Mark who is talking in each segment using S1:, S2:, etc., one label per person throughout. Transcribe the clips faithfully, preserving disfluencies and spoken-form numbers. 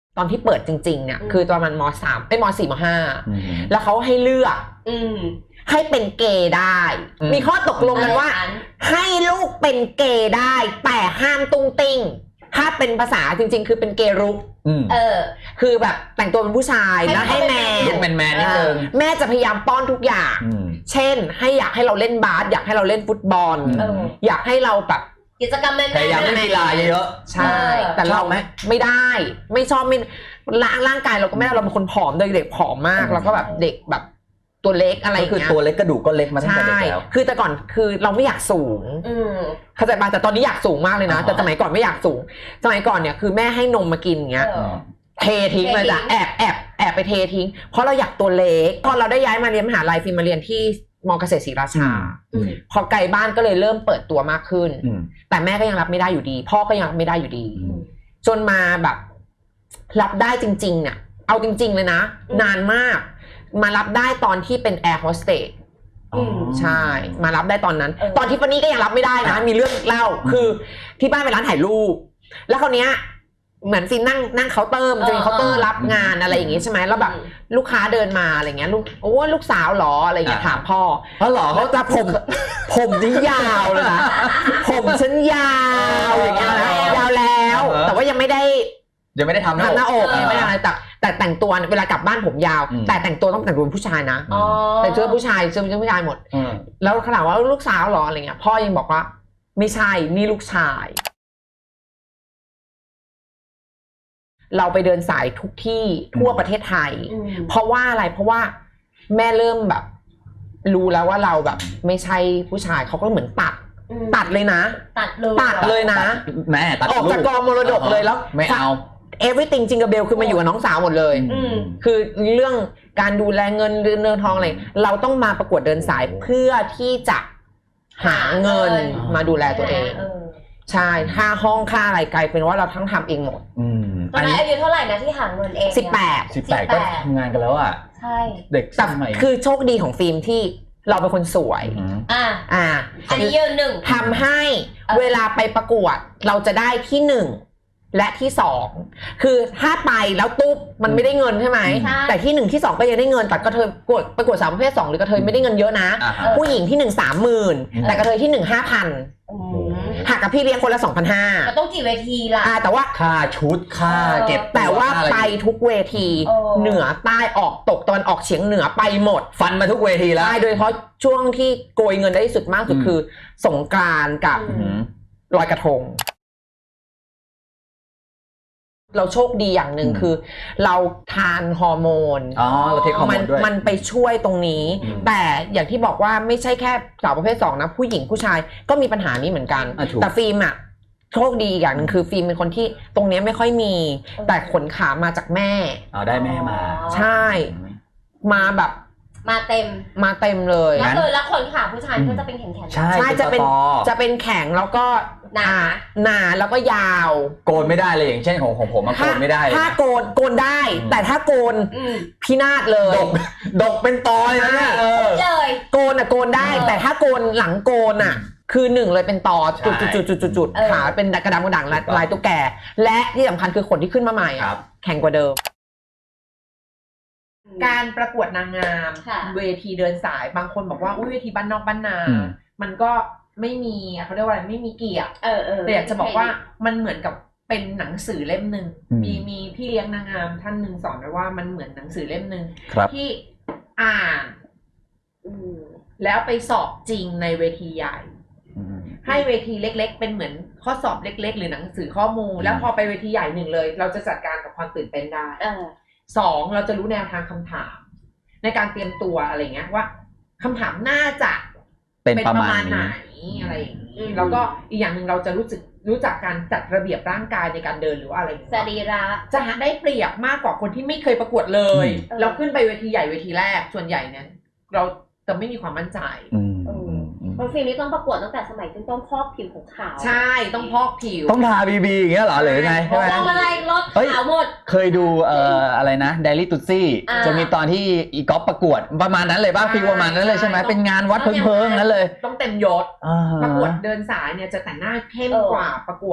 S1: ตอนที่เปิดจริงๆเนี่ยคือตอนมันมสามเป็นมสี่มห้าแล้วเขาให้เลือกให้เป็นเกย์ได้มีข้อตกลงกันว่าให้ลูกเป็นเกย์ได้แต่ห้ามตุ้งติ้งถ้าเป็นภาษาจริงๆคือเป็นเกย์รุกเออคือแบบแต่งตัวเป็นผู้ชายแล้วให้แมน
S2: ลูกแมนแมนนิดนึง
S1: แม่จะพยายามป้อนทุกอย่างเช่นให้อยากให้เราเล่นบาสอยากให้เราเล่นฟุตบอลอยากให้เราแบบ
S3: กิจกรรมแม่
S2: พยายามเล่นกีฬาเยอะ
S1: ใช่แต่เราไหมไม่ได้ไม่ชอบไม่ร่างร่างกายเราก็ไม่ได้เราเป็นคนผอมเด็กผอมมากแล้วก็แบบเด็กแบบตัวเล็กอะไรอย่างเงี้ย
S2: คือตัวเล็กกระดูกก็เล็กมาตั้งแต่เด็กแล้ว
S1: คือแต่ก่อนคือเราไม่อยากสูงเข้าใจป่ะแต่ตอนนี้อยากสูงมากเลยนะแต่สมัยก่อนไม่อยากสูงสมัยก่อนเนี่ยคือแม่ให้นมมากินอย่างเงี้ยเททิ้งเลยจ้ะแอบแอบแอบไปเททิ้งเพราะเราอยากตัวเล็กพอเราได้ย้ายมาเรียนมหาลัยฟิล์มมาเรียนที่มอเกษตรศรีราชาพอไกลบ้านก็เลยเริ่มเปิดตัวมากขึ้นแต่แม่ก็ยังรับไม่ได้อยู่ดีพ่อก็ยังรับไม่ได้อยู่ดีจนมาแบบรับได้จริงๆเนี่ยเอาจริงๆเลยนะนานมากมารับได้ตอนที่เป็นแอร์โฮสเตสใช่มารับได้ตอนนั้นตอนที่ปนี่ก็ยังรับไม่ได้นะมีเรื่องเล่าคือที่บ้านเป็นร้านถ่ายรูปแล้วคราวเนี้ยเหมือนฟินนั่งนั่งเคาน์เตอร์จะมีเคาน์เตอร์รับงานอะไรอย่างงี้ใช่ไหมแล้วแบบลูกค้าเดินมาอะไรเงี้ยลูกโอ้ลูกสาวหรออะไรเงี้ยถามพ่อ
S2: เพราะหรอเขา
S1: จะผมผมนี่ยาวเลยนะผมฉันยาวอย่างเงี้ยนะยาวแล้วแต่ว่ายังไม่ได้
S2: ยังไม่ได้ทำห
S1: น้าอกยังไม่ได้อะไรแต่แต่แต่งตัวเวลากลับบ้านผมยาวแต่แต่งตัวต้องแต่งตัวผู้ชายนะแต่งตัวผู้ชายเสื้อผู้ชายหมดแล้วขนาดว่าลูกสาวหรออะไรเงี้ยพ่อยังบอกว่าไม่ใช่นี่ลูกชายเราไปเดินสายทุกที่ทั่วประเทศไทยเพราะว่าอะไรเพราะว่าแม่เริ่มแบบรู้แล้วว่าเราแบบไม่ใช่ผู้ชายเขาก็เหมือนตัดตัดเลยนะ
S3: ตัดเลย
S1: ตัดเลยนะ
S2: แม่ตัด
S1: ออกจากกองมรดกเลยแล้ว
S2: ไม่เอา
S1: everything จิงกับเบลคือมาอยู่กับน้องสาวหมดเลยคือเรื่องการดูแลเงินเงินทองอะไรเราต้องมาประกวดเดินสายเพื่อที่จะหาเงินมาดูแลตัวเองใช่ค่าห้องค่าอะไรกลายเป็นว่าเราทั้งทำเองหมด
S3: ตอนนั้นอายุเท่าไหร่นะที่หาเงินเอง
S1: สิบแปด
S2: สิบแปดก็ทำงานกันแล้วอ่ะ
S3: ใช่
S2: เด็กสมัย
S1: คือโชคดีของฟิล์มที่เราเป็นคนสวย
S3: อ่า
S1: อ่า
S3: อันนี้ยืนหนึ่ง
S1: ทำให้เวลาไปประกวดเราจะได้ที่หนึ่งและที่สองคือถ้าไปแล้วตุ๊บมันไม่ได้เงินใช่ไหมแต่ที่หนึ่งที่สองก็ยังได้เงินแต่กระเทยประกวดประกวดสาวประเภทสองหรือกระเทยไม่ได้เงินเยอะนะผู้หญิงที่หนึ่งสามหมื่นแต่กระเทยที่หนึ่งห้าพันหักกับพี่เลี้ยงคนละสองพันห้า
S3: ก็ต้องกี่เวทีล่ะ
S1: แต่ว่า
S2: ค่าชุดค่าเก็บ
S1: แต่ว่าไปทุกเวทีเหนือใต้ออกตกตอนออกเฉียงเหนือไปหมด
S2: ฟันมาทุกเวทีแล้ว
S1: โดยเฉพาะช่วงที่โกยเงินได้ที่สุดมากสุดคือสงกรานต์กับลอยกระทงเราโชคดีอย่างหนึ่งคือเราทานฮอร์โมน
S2: อ๋อเราเทคฮอร์โมนด้วย
S1: มันไปช่วยตรงนี้แต่อย่างที่บอกว่าไม่ใช่แค่สาวประเภทสองนะผู้หญิงผู้ชายก็มีปัญหานี้เหมือนกันแต่ฟิล์มอ่ะโชคดีอย่างหนึ่งคือฟิล์มเป็นคนที่ตรงนี้ไม่ค่อยมีแต่ขนขามาจากแม่
S2: อ๋อได้แม่มา
S1: ใช่มาแบบ
S3: มาเต็ม
S1: มาเต็มเลย
S3: แล้วเลยแล้วขนขาผู้ชายก็จะเป็นแข็งแข็ง
S2: ใช่
S1: จะเป็นจะเป็นแข็งแล้วก็
S3: หนา
S1: หนาแล้วก็ยาว
S2: โกนไม่ได้เลยอย่างเช่นของของผมมันโกนไม่ได้
S1: ถ้าโกนโกนได้แต่ถ้าโกนพินาศเลย
S2: ดกดกเป็นตอเลยนะ
S3: เออเลย
S1: โกนอ่ะโกนได้แต่ถ้าโกนหลังโกนอ่ะคือหนึ่งเลยเป็นตอจุดจุดจุดจุดจุดจุดขาเป็นกระดำกระด่างลายตุ๊กแกและที่สำคัญคือขนที่ขึ้นมาใหม่แข็งกว่าเดิมการประกวดนางงามเวทีเดินสายบางคนบอกว่าอุ้ยเวทีบ้านนอกบ้านนามันก็ไม่มีเขาเรียกว่าอะไรไม่มีเกียรติแต่อยากจะบอกว่ามันเหมือนกับเป็นหนังสือเล่มหนึ่งมีมีพี่เลี้ยงนางงามท่านหนึ่งสอนไว้ว่ามันเหมือนหนังสือเล่มหนึ่งที่อ่านแล้วไปสอบจริงในเวทีใหญ่ให้เวทีเล็กๆเป็นเหมือนข้อสอบเล็กๆหรือหนังสือข้อมูลแล้วพอไปเวทีใหญ่หนึ่งเลยเราจะจัดการกับความตื่นเต้นได้สองเราจะรู้แนวทางคำถามในการเตรียมตัวอะไรเงี้ยว่าคำถามน่าจะ
S2: เป็นประมาณ
S1: ไหนอะไรอย่างนี้แล้วก็อีกอย่างหนึ่งเราจะรู้สึกรู้จักการจัดระเบียบร่างกายในการเดินหรือว่าอะไร
S3: สรีระ
S1: จะได้เปรียบมากกว่าคนที่ไม่เคยประกวดเลยเราขึ้นไปเวทีใหญ่เวทีแรกส่วนใหญ่เนี่ยเราจะไม่มีความมั่นใจ
S3: บางฟิล์มนี่ต้องประกวดตั้งแต่สมัยต้นต้นพอกผิวของขาว
S1: ใช่ต้องพอกผิว
S2: ต้องทาบีบีอย่างเงี้ยเหรอหรือไงใช่ไหม
S3: ต้องอะไรลดขาวหมด
S2: เคยดูเอ่ออะไรนะเดลี่ตุซี่จะมีตอนที่อีก๊อฟประกวดประมาณนั้นเลยป่ะฟิลประมาณนั้นเลยใช่ไหมเป็นงานวัดเพิงๆนั้นเลย
S1: ต้องเต็มยศประกวดเดินสายเนี่ยจะแต่งหน้าเข้มกว่าประกวด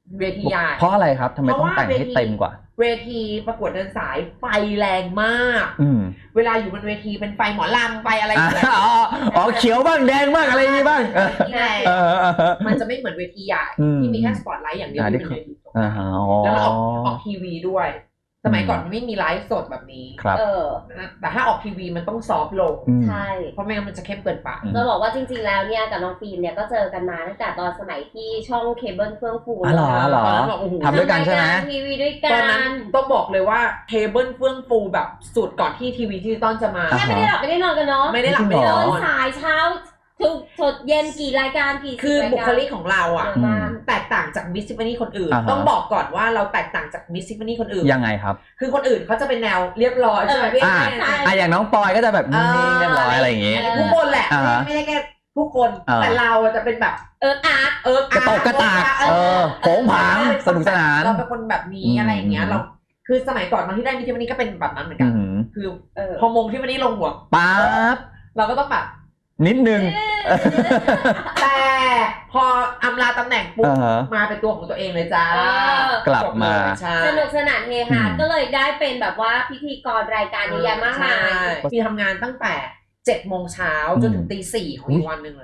S1: เวทีใหญ่
S2: เพราะอะไรครับทำไมต้องแต่งให้เต็มกว่า
S1: เวทีประกวดเดินสายไฟแรงมาก
S2: อืม
S1: เวลาอยู่บนเวทีเป็นไฟหมอลำไฟอะไรอย่างเงี้ย
S2: อ๋ออ๋อเขียวบ้างแดงบ้างอะไรอย่างงี้บ้างเออ
S1: ที่แรง
S2: เออเออ
S1: มันจะไม่เหมือนเวทีใหญ่ที่มีแค่สปอตไลท์อย่างเดียวที่เป็นเวที
S2: อ่าฮะอ๋อ
S1: แล้วมันออกออกทีวีด้วยสมัยก่อนมันไม่มีไลฟ์สดแบบนี้
S2: ครับ
S3: เออ
S1: แต่ถ้าออกทีวีมันต้องซอฟต์ลง
S2: อืม
S3: ใช่
S1: เพราะไม่งั้นมันจะเข้มเกินไป
S3: จะบอกว่าจริงๆแล้วเนี่ยกับน้องฟิล์มเนี่ยก็เจอกันมาตั้งแต่ตอนสมัยที่ช่องเคเบิลเฟื่องฟู
S2: อ๋อเหรอเหรอ
S1: ตอนนั้นแบบโอ้โห
S2: ทำด้วยกันใช่ไหม
S3: ทำรายารทีวีด้วยกั
S1: ตอนนั้น
S3: น
S1: ต้องบอกเลยว่าเคเบิลเฟื่องฟูแบบสุดก่อนที่ทีวีดิจิตอลจะมา
S3: แค่ไม่ได้หลับไม่ได้นอนกันเนาะ
S1: ไม่ได้หลับไม่ได้น
S3: ต
S1: อ
S3: อน
S1: น
S3: สายเช้าทุกสดเย็นกี่รายการกี่
S1: คือ
S3: ราย
S1: บุ
S3: การ
S1: คลิกของเราอ่ะ
S3: เยอะมาก
S1: แตกต่างจากมิสซิฟานี่คนอื่น
S2: อ่าฮะ
S1: ต้องบอกก่อนว่าเราแตกต่างจากมิสซิฟานี่คนอื่น
S2: ยังไงครับ
S1: คือคนอื่นเขาจะเป็นแนวเรียบร้อยใช่ไหมพี่
S2: อ่า
S3: ใช่
S2: อ่ะอย่างน้องปอยก็จะแบบนิ่งๆเรียบร้อยอะไรอย่างงี้
S1: ทุกคนแหละ
S2: อ่าฮะ
S1: ไม่ได้แค่ทุกคน
S2: อ่า
S1: แต่เราจะเป็นแบบ
S3: เอออาร์ต
S1: เออก
S2: ระตกกระตากเออโผงผางสนุกสนาน
S1: เราเป็นคนแบบนี้
S2: อืม
S1: อะไรอย่างเงี้ยเราคือสมัยก่อนตอนที่ได้มิสซิฟานี่ก็เป็นแบบนั้นเหมือน
S2: อื
S1: กัน
S2: ม
S1: คือ
S3: เออ
S1: พอมงที่วันนี้ลงหัว
S2: ป๊าบ
S1: เราก็ต้องแบบ
S2: นิดนึง
S1: แต่พออำลาตำแหน่งปุ๊บ
S2: อ่าฮะ
S1: มาเป็นตัวของตัวเองเลยจ้า
S3: เออ
S2: กลับมา
S1: ใช่
S3: สนุกสนานเฮฮา
S2: อืม
S3: ก็เลยได้เป็นแบบว่าพิธีกรรายการเยอะแยะมากมาย
S1: ใช่พี่ทำงานตั้งแต่เจ็ดโมงเช้าจนถึงตีสี่ของอีกวันหนึ่งเลย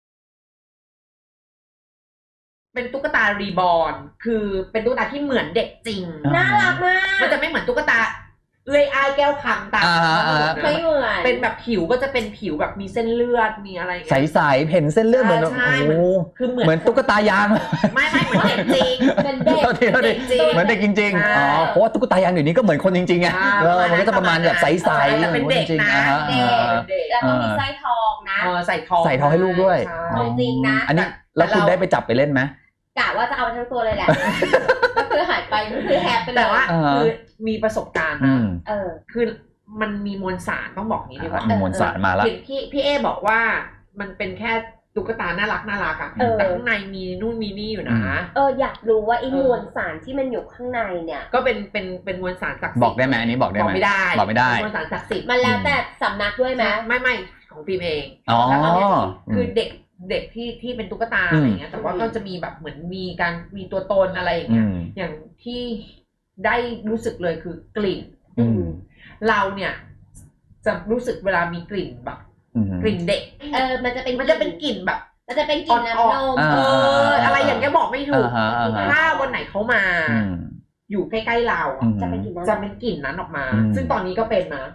S1: เป็นตุ๊กตารีบอร์นคือเป็นตุ๊กตาที่เหมือนเด็กจริง
S2: อ่า
S3: น่ารักมาก
S1: มันจะไม่เหมือนตุ๊กตาเอื้อยอ้ายแก้วคำตาม
S2: อ่าอ่า
S3: ไม่เหมือน
S1: เป็นแบบผิวก็จะเป็นผิวแบบมีเส้นเลือดมีอะไรอย่าง
S2: ใ
S1: เงี้ย
S2: สๆเห็นเส้นเลือดเหมือน
S1: ใช่
S2: โอ้โห
S1: คือเหมือน
S2: เหมือนตุ๊กตายาง
S1: ไม่ไม่เหมือนเด็กจริง
S3: เป็นเด็ก
S2: โทษทีโทษที
S1: เด็กจริง
S2: เหมือนเด็กจริง
S1: ใช่
S2: ๆอ๋อเพราะว่าตุ๊กตายางเดี๋ยวนี้ก็เหมือนคนจริงๆไง
S1: อ่า
S2: เออมันก็จะประมาณแบบใสๆ
S1: แต่เป็นเด็ก
S2: จริง
S1: นะ
S2: ๆอ่าฮะ
S1: เด็ก
S2: อ่าฮะ
S1: เด็ก
S3: แล้วก็มีสร้อยทองนะ
S1: เออใส่ทอง
S2: ใส่ทองให้ลูกด้วย
S1: ใช่
S3: ของจริงนะ
S2: อันนี้แล้วคุณได้ไปจับไปเล่นไหม
S3: กะว่าจะเอาไปทั้งตัวเลยแหละ ก็คือหายไปก็คือแฮปไปเลย
S1: แต่ว่า
S2: อ่าฮะ
S1: คือมีประสบการณ์
S2: อื
S1: นะ
S2: ม
S3: เออ
S1: คือมันมีมวลสารต้องบอกงี้ดีกว่า
S2: มีมวลสารมาแล้ว
S1: เห็นพี่พี่เอบอกว่ามันเป็นแค่ตุ๊กตาน่ารักน่ารักอะ
S3: เออ
S1: แต่ข้างในมีนู่นมีนี่อยู่นะ
S3: เอออยากรู้ว่าไอ้
S1: เออ
S3: มวลสารที่มันอยู่ข้างในเนี่ย
S1: ก็เป็นเป็นเป็นมวลสารศักดิ์สิทธิ์
S2: บอกได้ไหมอันนี้บอกได้
S1: บอ
S2: ไหม
S1: กไม่ได้
S2: บอกไม่ได้
S1: เป็นมวลสารศักดิ์สิทธิ์
S3: มันแล้วแต่สำนักด้วยไหม
S1: ไม่ไม่ของฟิล์มเอง
S2: อ๋อ
S1: แล้วตอนนี้
S2: อื
S1: คือ
S2: ม
S1: เด็กเด็กที่ที่เป็นตุ๊กตา
S2: อืม
S1: อะไรเงี้ยแต่ว่าก็จะมีแบบเหมือนมีการมีตัวตนอะไรอย่าง
S2: อื
S1: เงี้ย
S2: ม
S1: อย่างที่ได้รู้สึกเลยคือกลิ่น
S2: อืม
S1: เราเนี่ยจะรู้สึกเวลามีกลิ่นแบบ
S2: อืม
S1: กลิ่นเด็ก
S3: เออมันจะเป็น
S1: มันจะเป็นกลิ่นแบบ
S3: มันจะเป็นกลิ่นน้ำนม
S2: อ่า
S1: เอออะไรอย่างเงี้ยบอกไม่ถูก
S2: อ่าฮะอ่าฮะ
S1: ถ้าวันไหนเขามา
S2: อืม
S1: อยู่ใกล้ๆเรา
S2: อื
S1: อะ
S2: ม
S3: จะเป็นกลิ่นน้ำ
S1: จะเป็นกลิ่นนั้นออกมา
S2: อืม
S1: ซึ่งตอนนี้ก็เป็นนะ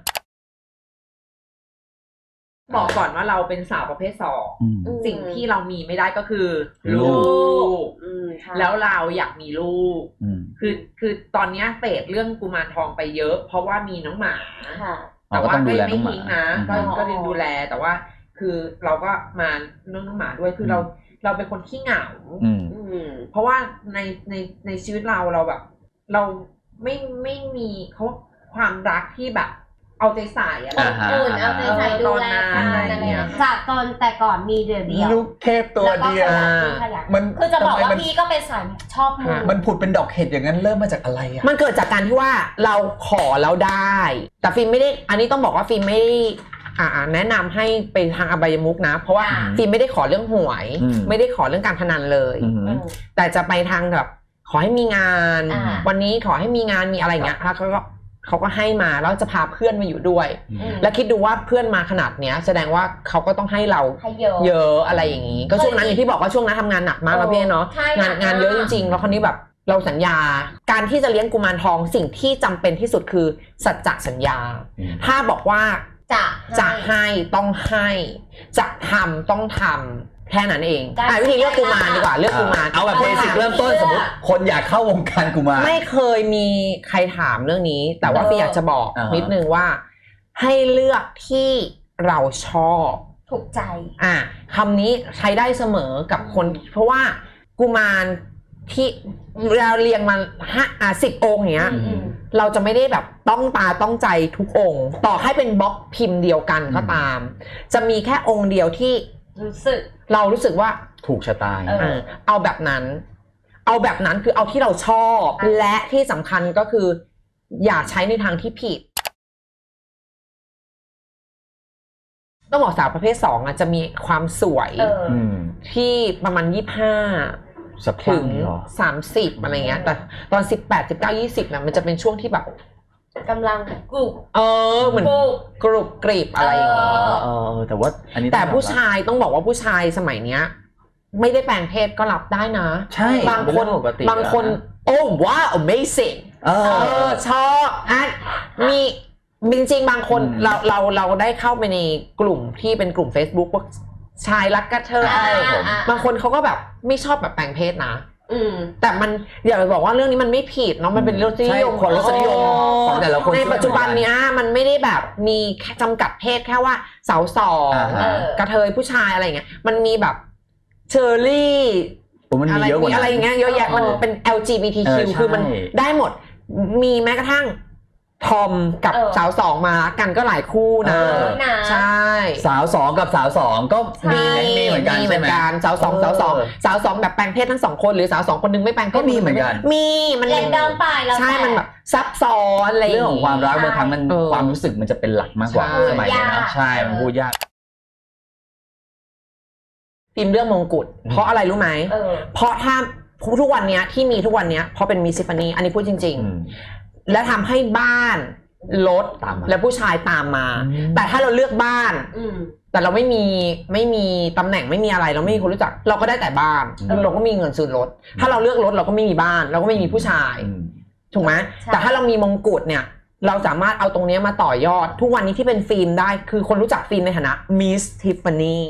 S1: บอกก่อนว่าเราเป็นสาวประเภทสอง
S2: อืม
S3: อืม
S1: สิ่งที่เรามีไม่ได้ก็คือ
S2: ลู
S1: ลู
S2: ก
S1: ก
S3: อืมใช่
S1: แล้วเราอยากมีลูก
S2: อืม
S1: คือคือตอนเนี้ยเฟดเรื่องกุมารทองไปเยอะ เพราะว่ามีน้องหมา
S3: ค่ะ
S2: อ๋อก็ต้องดูแลน้องหมา
S1: ไม่ทิ้งนะ
S2: อืม
S1: ก็ก็
S3: อ๋อ
S1: ดูแลแต่ว่า คือเราก็มาเรื่องน้องหมาด้วยคือเราเราเป็นคนขี้เหงา
S2: อืม
S3: อืม
S1: เพราะว่าในในในชีวิตเราเราแบบ เราไม่ไม่มีเขาความรักที่แบบ เอาใจใส่อะไร
S2: อ่าฮะ
S3: อุ่นเอาใจใส่ดูแลกัน
S1: ตอนนั้น
S3: อะไร
S1: อะไรเงี้
S3: เงี้
S1: ย
S3: ยจากตอนแต่ก่อนมีเดียวเดียว
S2: ลูกเทพตัวเดียว
S3: แล้ก็ขยัน
S2: มัน
S3: คือจะบอกว่า
S2: ทำไมมัน
S3: พี่ก็เป็นสายชอบมู
S2: มันผุดเป็นดอกเห็ดอย่างนั้นเริ่มมาจากอะไรอ่ะ
S1: มันเกิดจากการที่ว่าเราขอแล้วได้ แต่ฟิล์มไม่ได้ อันนี้ต้องบอกว่าฟิล์มไม่ได้อ่าแนะนำให้ไปทางอบายมุกนะ เพราะว่า
S3: อ่า
S1: ฟิล์มไม่ได้ขอเรื่องหวย
S2: อืม
S1: ไม่ได้ขอเรื่องการพนันเลย
S2: อืม
S3: อืม
S1: แต่จะไปทางแบบขอให้มีงาน
S3: อ่า
S1: วันนี้ขอให้มีงานมีอะไรอย่างเงี้ยแล้วเขาก็เขาก็ให้มาแล้วจะพาเพื่อนมาอยู่ด้วย
S2: อืม
S1: แล้วคิดดูว่าเพื่อนมาขนาดเนี้ย แสดงว่าเขาก็ต้องให้เรา
S3: ให้เยอะ
S1: เยอะอะไรอย่างนี้ ก็ช่วงนั้นอย่างที่บอกว่าช่วงนั้นทำงานหนักมากแล้วพี่เนาะ
S3: ใช่
S1: งานงานเยอะจริงๆ แล้วคราวนี้แบบเราสัญญา การที่จะเลี้ยงกุมารทองสิ่งที่จำเป็นที่สุดคือสัจจะสัญญา
S2: อืม
S1: ถ้าบอกว่า
S3: จะ
S1: จะให้ต้องให้ จะทำต้องทำแค่นั้นเองอ่ะวิธีเลือกกุมารดีกว่าเลือกกุมาร
S2: เอาแบบเบสิกเริ่มต้นสมมติคนอยากเข้าวงการกุมาร
S1: ไม่เคยมีใครถามเรื่องนี้ แต่ว่าพี่อยากจะบอก
S2: อ่าฮะ
S1: นิดนึงว่า ให้เลือกที่เราชอบ
S3: ถูกใจ
S1: อ่ะคำนี้ใช้ได้เสมอกับคน เพราะว่ากุมารที่เราเรียงมาห้าอ่ะสิบองค์เนี้ย
S3: อืม
S1: เราจะไม่ได้แบบต้องตาต้องใจทุกองค์ ต่อให้เป็นบล็อกพิมพ์เดียวกันก็ตาม จะมีแค่องค์เดียวที่
S3: รู้สึก
S1: เรารู้สึกว่า
S2: ถูกชะตา
S3: เออ
S1: เออเอาแบบนั้น เอาแบบนั้นคือเอาที่เราชอบ และที่สำคัญก็คือ อย่าใช้ในทางที่ผิด ต้องบอกสาวประเภทสองอ่ะจะมีความสวย
S3: เออ
S2: อืม
S1: ที่ประมาณยี่สิบห้า
S2: สัก
S1: ถึง
S2: เหรอ
S1: สามสิบอะไรเงี้ยแต่ตอนสิบแปด สิบเก้า ยี่สิบนะมันจะเป็นช่วงที่แบบ
S3: กำลังกรุบ
S1: เออเหมือน
S3: กรุบ
S1: กรุบกริบอะไรอย่าง
S3: เอ
S1: งี้
S3: อ
S2: เออแต่ว่าอันนี้
S1: แต่ผู้ชายต้องบอกว่าผู้ชายสมัยเนี้ยไม่ได้แปลงเพศก็รับได้นะ
S2: ใช่
S1: บางคน
S2: เป็เรื่องปกติ
S1: บางคน
S2: แล้วะ
S1: โอ้ว้าว amazing
S2: เอ
S1: เอ
S2: อ
S1: อชอบอ่ะมีจริงๆบางคน
S2: อืม
S1: เราเราเราได้เข้าไปในกลุ่มที่เป็นกลุ่ม Facebook พวกชายรักกระเทยอะไร
S3: อ่าอ่า
S1: บางคนเขาก็แบบไม่ชอบแบบแปลงเพศนะ
S3: อืม
S1: แต่มันอย่าไปบอกว่าเรื่องนี้มันไม่ผิดเนาะมันเป็นรสนิยม
S2: ใช่คนรสนิยมของแต่ละคน
S1: ในปัจจุบันเนี้ยมันไม่ได้แบบมีแค่จำกัดเพศแค่ว่าสาวสอง
S2: อ่าฮะ
S1: กระเทยผู้ชายอะไรเงี้ยมันมีแบบเชอร์รี่
S2: โอ้มัน
S1: อะ
S2: มี
S1: ไร
S2: เยอะกว่า
S1: มีอะไรอย่างเงี้ยเยอะแยะมันเป็น แอล จี บี ที คิว
S2: เออใช่
S1: คือมันได้หมดมีแม้กระทั่งทอมกับ
S3: เออ
S1: สาวสองมารักกันก็หลายคู่นะ
S2: เออ
S3: นะ
S1: ใช่
S2: สาวสองกับสาวสองก็มี
S3: ใช่
S2: มีเหมือนกัน
S1: มีเห
S2: ใช่
S1: มือ
S2: ไหม
S1: นกันสาวสองสาวสองสาวสองแบบแปลงเพศทั้งสองคนหรือสาวสองคนนึงไม่แปลงเพศ
S2: ก็มีเหมือนกัน
S1: มีมัน
S3: เล่นดอมไปแล้ว
S1: ใช่มันแบบซับซ้อนอะไร
S2: เรื่องของความรักบางครั้งมัน
S1: เออ
S2: ความรู้สึกมันจะเป็นหลักมากกว่า
S1: ใช่
S2: สมัยนี้นะใช่มันพูดยาก
S1: ฟิล์มเรื่องมงกุฎเพราะอะไรรู้ไหม
S3: เออ
S1: เพราะถ้าทุกวันเนี้ยที่มีทุกวันเนี้ยเพราะเป็นมิสซิฟานีอันนี้พูดจริง
S2: อืม
S1: ๆ และทำให้บ้านรถ
S2: ตามมา
S1: และผู้ชายตามมา
S2: อืม
S1: แต่ถ้าเราเลือกบ้าน
S3: อืม
S1: แต่เราไม่มีไม่มีตำแหน่งไม่มีอะไรเราไม่มีคนรู้จัก เราก็ได้แต่บ้าน
S2: อืม
S1: เราก็มีเงินซื้อรถ ถ้าเราเลือกรถเราก็ไม่มีบ้าน เราก็ไม่มีผู้ชาย
S2: อืม
S1: ถูกไหม
S3: ใช่
S1: แต่ถ้าเรามีมงกุฎเนี่ย เราสามารถเอาตรงเนี้ยมาต่อยอด ทุกวันนี้ที่เป็นฟิล์มได้คือคนรู้จักฟิล์มในฐานะมิสทิฟฟานี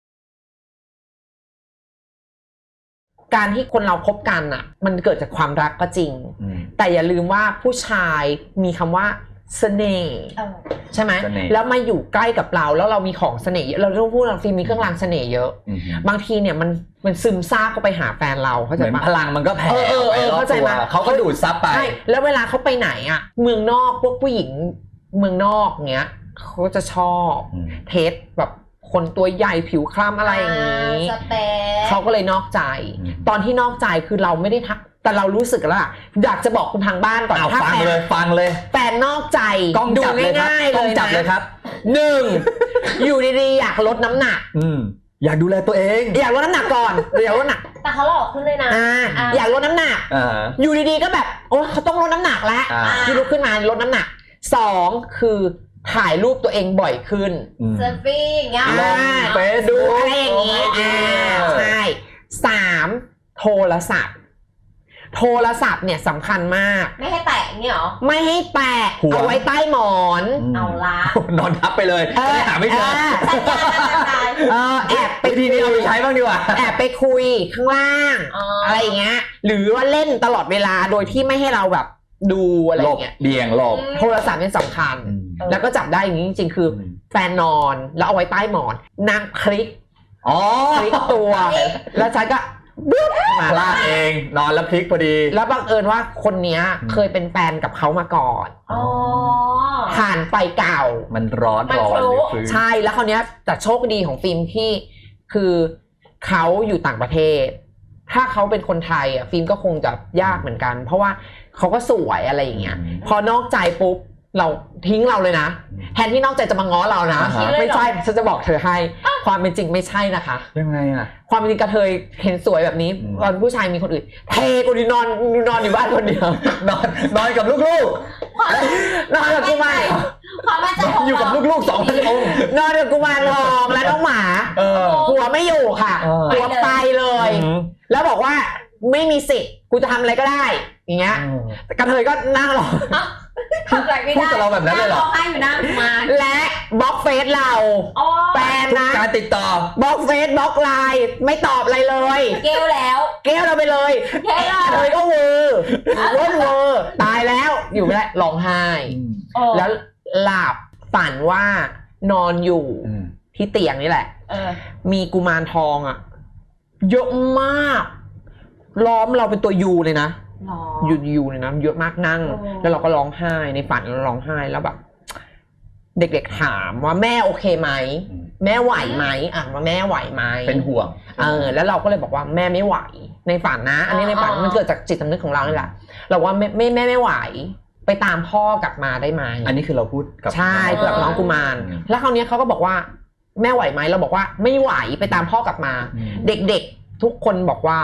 S1: การที่คนเราคบกันอ่ะ มันเกิดจากความรักก็จริง
S2: อืม
S1: แต่อย่าลืมว่าผู้ชายมีคำว่าเสน่ห์
S3: เออ
S1: ใช่ไหม
S2: เสน่ห์
S1: แล้วมาอยู่ใกล้กับเราแล้วเรามีของเสน่ห์เยอะเราต้องพูดเราฟิล์มมีเครื่องรางเสน่ห์เยอะ
S2: อืม
S1: บางทีเนี่ยมันมันซึมซาบเข้าไปหาแฟนเราเข้า
S2: เห
S1: ใจ
S2: มือน
S1: ปะ
S2: พลังมันก็แผ่
S1: เออเออเออ
S2: ไปรอบ
S1: เข้าใจ
S2: ตัว
S1: ไหม
S2: เขาก็ดูดซับไป
S1: ใช่แล้วเวลาเขาไปไหนอ่ะ เมืองนอกพวกผู้หญิงเมืองนอกเงี้ยเขาจะชอบ
S2: อืม
S1: เทสแบบคนตัวใหญ่ผิวคล้ำอะไรอย่างนี้
S3: สเปซ
S1: เขาก็เลยนอกใจ
S2: อืม
S1: ตอนที่นอกใจคือเราไม่ได้ทักแต่เรารู้สึกแล้วอะอยากจะบอกคุณทางบ้านก่อน
S2: เอา
S1: ถ้า
S2: ฟัง
S1: แฟน
S2: เลยฟังเลย
S1: แฟนนอกใจ
S2: กล้อง
S1: ดู
S2: จับเลยครับ
S1: ง่ายๆ
S2: กล้
S1: เล
S2: อง
S1: ย
S2: จับเลย
S1: นะครับ หนึ่งอยู่ดีๆอยากลดน้ำหนัก
S2: อืมอยากดูแลตัวเอง
S1: อยากลดน้ำหนักก่อนอยากลดน้ำหนัก
S3: แต่เขาหลอกขึ้นเลยนะ
S1: อ่า
S3: อ่า
S1: อยากลดน้ำหนัก
S2: อ่า
S1: อยู่ดีๆก็แบบโอ้เขาต้องลดน้ำหนักแล้ว
S2: อ่า
S1: ที่ลุกขึ้นมาลดน้ำหนักสองคือถ่ายรูปตัวเองบ่อยขึ้น
S2: อืม
S3: เซลฟี่อย่างเงี้ย
S2: ลง
S1: อ่า
S2: เฟซ
S1: ดูอะไรอย่างนี้
S2: เอ
S1: อ่า
S2: อ
S1: ใช่สามโทรศัพท์ โทรศัพท์เนี่ยสำคัญมาก
S3: ไม่ให้แตะอย่างเงี้ยเหรอ
S1: ไม่ให้แตะ
S2: หัว
S1: เอาไว้ใต้หมอน
S2: ม
S3: เอาละ
S2: นอนทับไปเลย
S1: เออ
S2: ไม่หาไม่เจอ
S3: สัญญาณสัญญาณ
S1: เออแอบไป
S2: วิธีนี้เอาไปใช้บ้างดีกว่า
S1: แอบไปคุยข้างล่าง
S3: อ๋ออ
S1: อะไรอย่างเงี้ย หรือว่าเล่นตลอดเวลาโดยที่ไม่ให้เราแบบดูอะไร
S2: ห
S1: อ
S2: ลบ
S1: ย่างเงี้ย
S2: เบี่ยงหลบ
S1: โทรศัพท์เนี่ยสำคัญ
S2: อืม
S3: เออ
S1: แล้วก็จับได้อย่างนี้จริงๆ คืออ
S2: ม
S1: แฟนนอนแล้วเอาไว้ใต้หมอนนางคลิก
S2: อ๋อ
S1: คลิกตัว แล้วฉันก็บึ๊บมา
S2: พลาดเองนอนแล้วพลิกพอดี
S1: แล้วบังเอิญว่าคนเนี้ย
S2: อืม
S1: เคยเป็นแฟนกับเขามาก่อน
S3: อ๋อ
S1: ผ่านไฟเก่า
S2: มันร้อน
S3: มัน
S2: ร้อน
S3: รู้
S2: เลยฟื้น
S1: ใช่แล้วคราวเนี้ยแต่โชคดีของฟิล์มที่คือเขาอยู่ต่างประเทศ ถ้าเขาเป็นคนไทยอ่ะฟิล์มก็คงจะยากเหมือนกัน เพราะว่าเขาก็สวยอะไรอย่างเงี้ย
S2: อืม
S1: พอนอกใจปุ๊บเราทิ้งเราเลยนะ
S2: อืม
S1: แทนที่นอกใจจะมาง้อเรานะ
S2: อ่าฮะ
S1: ไม่ใช่ฉันจะบอกเธอให้ ความเป็นจริงไม่ใช่นะคะ
S2: ยังไงอ่ะ
S1: ความเป็นจริงกระเทยเห็นสวยแบบนี้
S2: อืม
S1: ตอนผู้ชายมีคนอื่นเทกูดีนอนนอนอยู่บ้านคนเดียวน
S2: อนนอนกับลูก
S1: นอนกับกุมาร
S3: ความมั่นใจ
S2: ๆนอ
S3: ขอน ง
S2: อยู่กับ
S3: เรา
S2: ลูกๆสองพันองค์
S1: นอนกับกุมารทองและน้องหมา
S2: เออ
S1: หัวไม่อยู่ค่ะ
S2: เออ
S1: หัวไปเลย
S2: อืม
S1: แล้วบอกว่าไม่มีสิทธิ์กูจะทำอะไรก็ได้ อย่างเงี้ยกระเทยก็นั่งรอ
S3: ทำอะไรไม่
S2: พูด
S3: ได้
S2: กับเราแบบนั้นเลยเหรอ
S3: งร้องไห้อยู่หน้ากุมาร
S1: และบล็อกเฟซเรา
S3: อ๋อ
S1: แฟน
S2: ทุก
S1: นะ
S2: การติดต่อ
S1: บล็อกเฟซบล็อกไลน์ไม่ตอบอะไรเลย
S3: เกลแล้ว
S1: เกลี้ยวเราไปเลย
S3: เกลแล้
S1: กระเทยก็เวอร์ว่นเวอร์ตายแล้วอยู่ไม่ได้ร้องไห้
S3: แล้
S1: แล้ว วหลับฝันว่านอนอยู่
S2: อืม
S1: ที่เตียงนี่แหละ
S3: เออ
S1: มีกุมารทองอ่ะเยอะมาก ล้อมเราเป็นตัวยูเลยนะ
S3: หรอ
S1: ยูยูเลยนะเยอะมากนั่ง
S3: โอ้
S1: แล้วเราก็ร้องไห้ในฝันเราร้องไห้แล้วแบบ เด็กๆถามว่าแม่โอเคไหม
S2: อืม
S1: แม่ไหวไหมอ่ะว่าแม่ไหวไหม
S2: เป็นห่วง
S1: เออแล้วเราก็เลยบอกว่าแม่ไม่ไหวในฝันนะ อันนี้ในฝันมันเกิดจากจิตสำนึกของเรานี่แหละเราว่าแม่แม่แม่ไม่ไหว ไปตามพ่อกลับมาได้ไหม
S2: อันนี้คือเราพูดกับ
S1: ใช่เกือบน้องกุมาร
S2: อืม
S1: แล้วคราวนี้เขาก็บอกว่าแม่ไหวไหมเราบอกว่าไม่ไหวไปตามพ่อกลับมา
S2: อืม
S1: เด็กๆทุกคนบอกว่า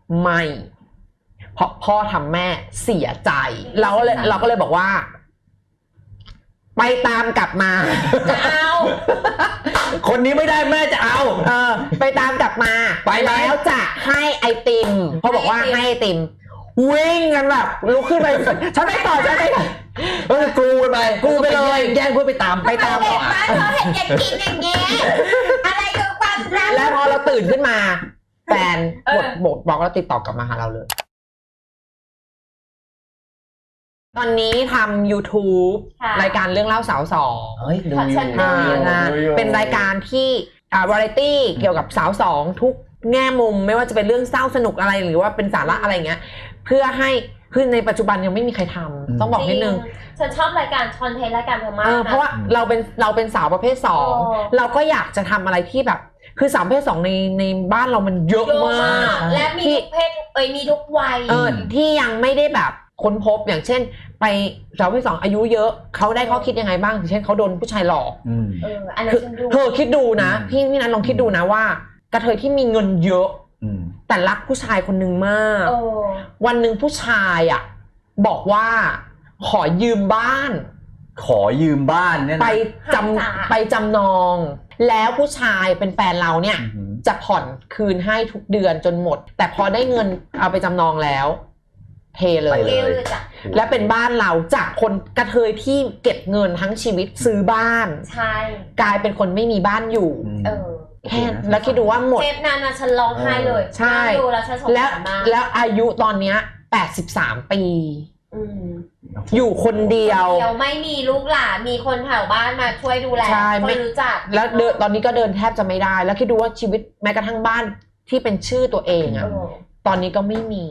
S1: ไม่เพราะพ่อทำแม่เสียใจเราก็เลยเราก็เลยบอกว่าไปตามกลับมา
S3: จะเอา
S2: คนนี้ไม่ได้แม่จะเอา
S1: เออไปตามกลับมา
S2: ไปไหม
S1: แล้วจะให้ไอติมเขาบอกว่าให้ไอติมวิ่งกันแบบลุกขึ้นไปฉันไม่ต่อฉันไม่ต่อ
S2: เออกรูไป
S1: กรูไปเลย
S2: แย่งเพื่อไปตาม
S1: ไปตาม
S3: เด็กบ้านเขาเห็นเด็กกินอย่างเงี้ยอะไรคือความรัก
S1: แล้วพอเราตื่นขึ้นมาแฟน
S3: เออ
S1: กดบอกบอกแล้วติดต่อกลับมาหาเราเลย ตอนนี้ทำ YouTube
S3: ค่ะ
S1: รายการเรื่องเล่าสาวสอง
S2: เฮ้ยดู
S3: ขอ
S2: อ
S3: เชิ
S2: ยู่
S3: ญ
S1: อ่า
S3: ดู
S1: นะ
S2: ดูอยู่
S1: เป็นรายการที่อ่าวาไรตี้เกี่ยวกับสาวสองทุกแง่มุมไม่ว่าจะเป็นเรื่องเศร้าสนุกอะไรหรือว่าเป็นสาระอะไรเงี้ยเพื่อให้คือในปัจจุบันยังไม่มีใครทำต้องบอกนิดนึง
S3: ฉันชอบรายการคอนเทนต์รายการเธอมาก
S1: เออ
S3: นะ
S1: เพราะว่าเราเป็นเราเป็นสาวประเภทสอง
S3: โอ้
S1: เราก็อยากจะทำอะไรที่แบบ คือสาวประเภทสองในในบ้านเรามันเยอะ
S3: เยอะ
S1: มาม
S3: าก กและมีทุกเพศเอ้ยมีทุกวัย
S1: เออที่ยังไม่ได้แบบค้นพบอย่างเช่น ไปสาวประเภทสองอายุเยอะเขาได้ข้อคิดยังไงบ้างอย่างเช่นเขาโดนผู้ชายหลอก
S2: อืม
S3: เอออันนั้
S1: คื
S3: น
S1: อ
S3: ฉันดู
S1: เธอคิดดูนะ
S2: อืม
S1: พี่พี่นันลองคิดดูนะว่ากระเทยที่มีเงินเยอะ
S2: อืม
S1: แต่รักผู้ชายคนหนึ่งมาก
S3: เออ
S1: วันหนึ่งผู้ชายอ่ะบอกว่าขอยืมบ้าน
S2: ขอยืมบ้านเนี่ยนะ
S1: ไปจ
S3: หาสา
S1: ำไปจำนอง แล้วผู้ชายเป็นแฟนเราเนี่ย
S2: อืม
S1: จะผ่อนคืนให้ทุกเดือนจนหมด แต่พอได้เงินเอาไปจำนองแล้วเทเล
S2: ไป
S1: ย
S2: เล
S3: เรีย
S2: ย
S3: กจ้ะ
S1: และเป็นบ้านเราจากคนกระเทยที่เก็บเงินทั้งชีวิตซื้อบ้าน
S3: ใช่
S1: กลายเป็นคนไม่มีบ้านอยู่
S3: เออ
S1: แค่แล้วคิดดูว่าหมด
S3: เทปนั้นนะฉันร้องไห้เลย
S1: ใช่
S3: นั่งดูแล้วฉันสง
S1: แล้ว
S3: สารมาก
S1: แล้วอายุตอนเนี้ยแปดสิบสามปี
S3: อืม
S1: อยู่คนเดียว
S3: เดียวไม่มีลูกหลานมีคนแถวบ้านมาช่วยดูแล
S1: ใช่
S3: ค
S1: ไม่
S3: นรู้จัก
S1: แล้วเดินตอนนี้ก็เดินแทบจะไม่ได้ แล้วคิดดูว่าชีวิตแม้กระทั่งบ้านที่เป็นชื่อตัวเอง
S3: เอ
S1: อะ
S3: อ
S1: ตอนนี้ก็ไม่มี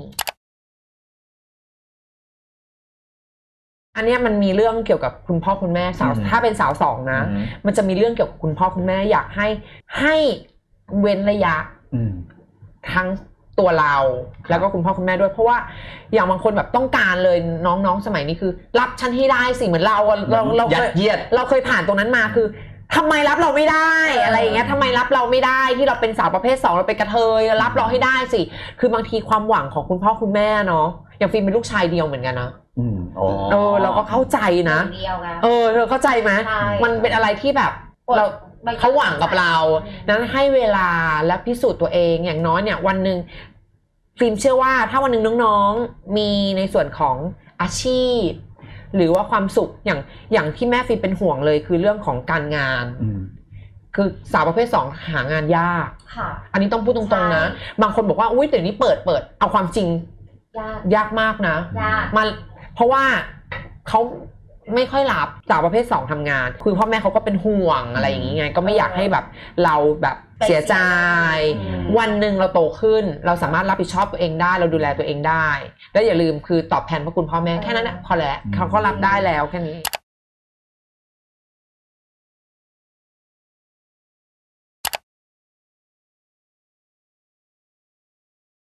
S1: อันเนี้ยมันมีเรื่องเกี่ยวกับคุณพ่อคุณแม่สาว
S2: อืม
S1: ถ้าเป็นสาวสองนะ
S2: อืม
S1: มันจะมีเรื่องเกี่ยวกับคุณพ่อคุณแม่อยากให้ให้เว้นระยะ
S2: อืม
S1: ทั้งตัวเราแล้วก็คุณพ่อคุณแม่ด้วยเพราะว่าอย่างบางคนแบบต้องการเลยน้องๆสมัยนี้คือ รับฉันให้ได้สิเหมือนเราอะเราเรา
S2: ยั
S1: เค
S2: ด
S1: ย
S2: เยียด
S1: เราเคยผ่านตรงนั้นมาคือทำไมรับเราไม่ได้
S3: เอออ
S1: อะไรอย่างเงี้ยทำไมรับเราไม่ได้ที่เราเป็นสาวประเภทสองเราเป็นกระเทยรับเราให้ได้สิคือบางทีความหวังของคุณพ่อคุณแม่เนาะอย่างฟิล์มเป็นลูกชายเดียวเหมือนกันนะ
S2: อืมอ๋อ
S1: เออเราก็เข้าใจนะ
S3: คนเดียวไง
S1: เออเธอเข้าใจไหม
S3: ใช่
S1: มันเป็นอะไรที่แบบเรา เขาหวังกับเรา นั้นให้เวลาและพิสูจน์ตัวเองอย่างน้อยเนี่ยวันหนึ่งฟิล์มเชื่อว่าถ้าวันหนึ่งน้องๆมีในส่วนของอาชีพ หรือว่าความสุขอย่างอย่างที่แม่ฟิล์มเป็นห่วงเลยคือเรื่องของการงาน
S2: อืม
S1: คือสาวประเภทสองหางานยาก
S3: ค่ะ
S1: อันนี้ต้องพูดตรงๆนะ
S3: ใช่
S1: บางคนบอกว่าอุ้ยเดี๋ยวนี้เปิดเปิดเอาความจริง
S3: ยาก
S1: ยากมากนะ
S3: ยาก
S1: มันเพราะว่าเขาไม่ค่อยรับสาวประเภทสองทำงาน คือพ่อแม่เขาก็เป็นห่วงอะไรอย่างงี้ไง ก็ไม่อยากให้แบบเราแบบเสียใจ
S3: อืม
S1: วันหนึ่งเราโตขึ้น เราสามารถรับผิดชอบตัวเองได้ เราดูแลตัวเองได้ แล้วอย่าลืมคือตอบแทนพระคุณพ่อแม่แค่นั้นนะพอแล้วเขาก็รับได้แล้วแค่นี้